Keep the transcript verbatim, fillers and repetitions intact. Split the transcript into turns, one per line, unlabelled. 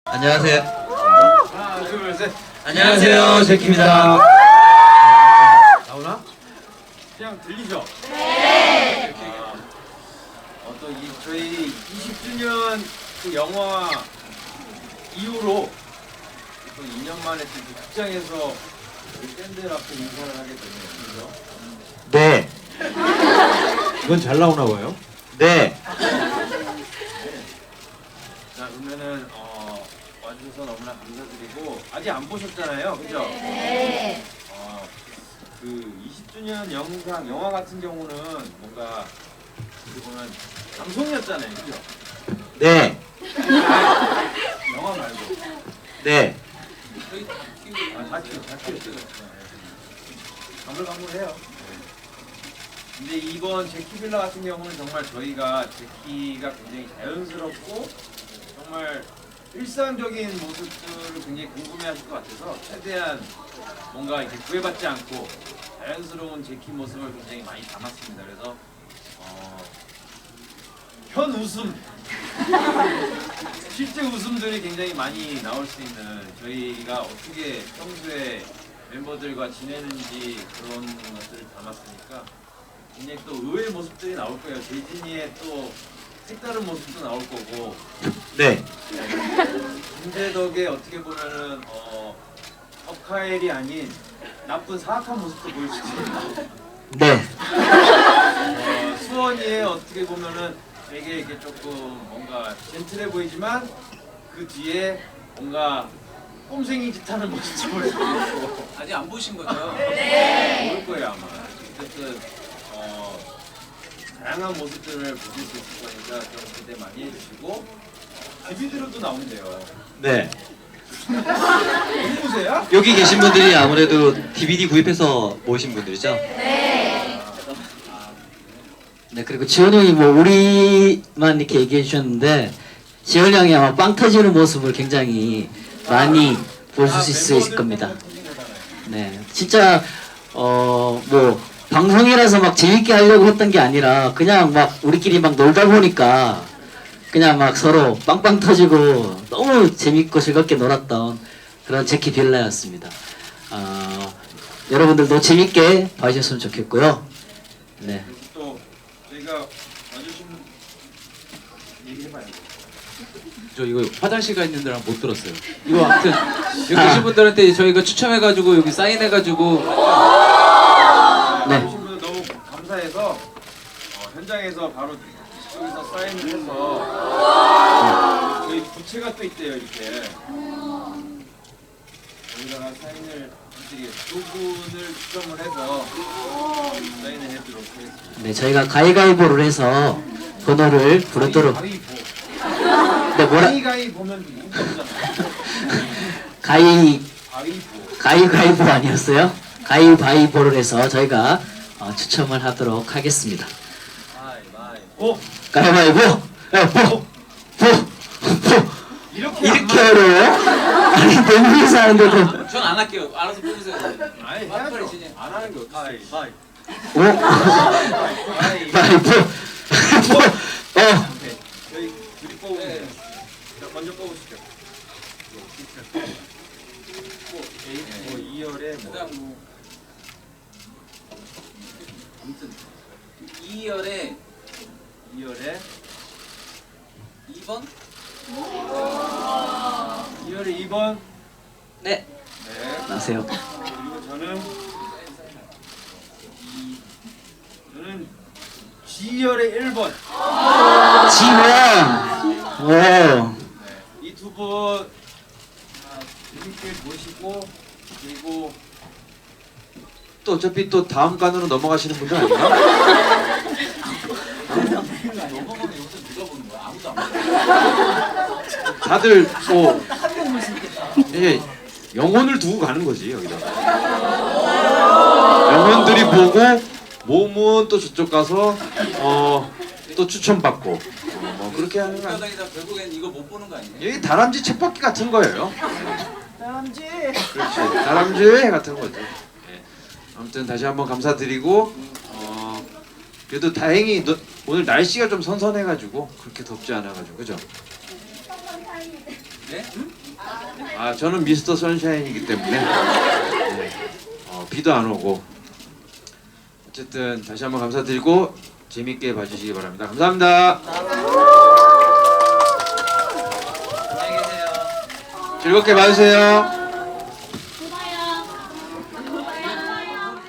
안녕하세요.
하나, 둘, 셋.
안녕하세요. 제키입니다.
나오나? 그냥 들리죠? 네. 아, 어, 또 이, 저희 이십 주년 그 영화 이후로 또 이 년 만에 또 극장에서 우리 팬들 앞에 인사를 하게 됐네요. 그죠?
네.
이건 잘 나오나 봐요.
네.
자, 그러면은 어, 와주셔서 너무나 감사드리고 아직 안 보셨잖아요, 그죠? 네. 어, 그 이십 주년 영상 영화 같은 경우는 뭔가 어떻게 보면 방송이었잖아요, 그죠?
네.
영화 말고.
네.
아, 다큐, 다큐. 가물가물해요. 근데 이번 제키빌라 같은 경우는 정말 저희가 제키가 굉장히 자연스럽고 정말 일상적인 모습들을 굉장히 궁금해하실 것 같아서 최대한 뭔가 이렇게 구애받지 않고 자연스러운 제키 모습을 굉장히 많이 담았습니다. 그래서 어, 현 웃음, 실제 웃음들이 굉장히 많이 나올 수 있는 저희가 어떻게 평소에 멤버들과 지내는지 그런 것들을 담았으니까 굉장히 또 의외의 모습들이 나올 거예요. 재진이의 또 색다른 모습도 나올 거고
네.
김재덕의 어떻게 보면은 어, 덕하엘이 아닌 나쁜 사악한 모습도 보일 수도 있고
네.
어, 수원이의 어떻게 보면은 되게 이렇게 조금 뭔가 젠틀해 보이지만 그 뒤에 뭔가 꼼생이 짓하는 모습도 보일 수도 있고
아직 안 보신 거죠?
네. 볼 거예요 아마. 어쨌든 어, 다양한 모습들을 보실 수 있을 거니까 좀 기대 많이 해주시고 뮤비들도 나온대요.
네.
누구세요?
여기 계신 분들이 아무래도 디비디 구입해서 모신 분들이죠?
네, 그리고 지원 형이 뭐 우리만 이렇게 얘기해 주셨는데 지원 형이 아마 빵 터지는 모습을 굉장히 많이 보실 수 있을 겁니다. 네, 진짜 어 뭐 방송이라서 막 재밌게 하려고 했던 게 아니라 그냥 막 우리끼리 막 놀다 보니까 그냥 막 서로 빵빵 터지고 너무 재밌고 즐겁게 놀았던 그런 제키 빌라였습니다. 어, 여러분들도 재밌게 봐주셨으면 좋겠고요. 네.
또 저희가 와주신 얘기해봐요.
저 이거 화장실 가 있는 데랑 못 들었어요. 이거 아무튼 여기 계신 분들한테 저희가 추첨해가지고 여기 사인해가지고
네.
오신 분들 너무 감사해서 어, 현장에서 바로 저기서 사인을 해서 저희 부채가 또 있대요 이렇게 여기다가 사인을 해드리겠습니다. 두 분을 추첨을 해서 사인을 해드리도록 하겠습니다.
네, 저희가 가위가위보를 해서 번호를 부르도록.
가위보
네, 뭐라?
가위가위 보면 이거잖아.
가위
가위보
가위가위보 아니었어요? 가위바위보를 해서 저희가 어, 추첨을 하도록 하겠습니다.
어?
가위바위보. 야, 보, 보, 보.
이렇게
이렇게 어려워요? 아니 너무 이상한데도.
전 안 할게요. 알아서 뽑으세요.
아니
빨리
해야죠.
진행.
안 하는 게 어떡해. 가위
오,
가위
바위보. 보. 어,
오케이. 저희 둘이 뽑으면
네.
돼요. 자, 먼저 뽑으시죠. 뭐, A, 뭐 이열에 뭐
그다음 뭐 아무튼 이열에
이열에
이 번
이열에 이 번.
네,
네.
나세요.
그리고 저는 이 저는 G열에 일 번.
지원. 오,
이 두 분 재밌게 보시고 그리고
또 어차피 또 다음 간으로 넘어가시는 분들 아닌가?
넘어가면 여기서 누가 보는 거야? 아무도 안 봐.
다들 뭐 예, 영혼을 두고 가는 거지 여기다. 영혼들이 보고 몸은 또 저쪽 가서 어, 또 추천받고 어, 뭐 그렇게 하는 거 아니에요?
다니다 결국엔 이거 못 보는 거 아니에요?
여기 다람쥐 쳇바퀴 같은 거예요.
다람쥐.
그렇지. 다람쥐 같은 거죠. 예. 아무튼 다시 한번 감사드리고 어, 그래도 다행히 너, 오늘 날씨가 좀 선선해가지고 그렇게 덥지 않아가지고 그죠?
네?
아 저는 미스터 선샤인이기 때문에 네. 어, 비도 안 오고 어쨌든 다시 한번 감사드리고 재밌게 봐주시기 바랍니다. 감사합니다.
안녕히 계세요.
즐겁게 봐주세요.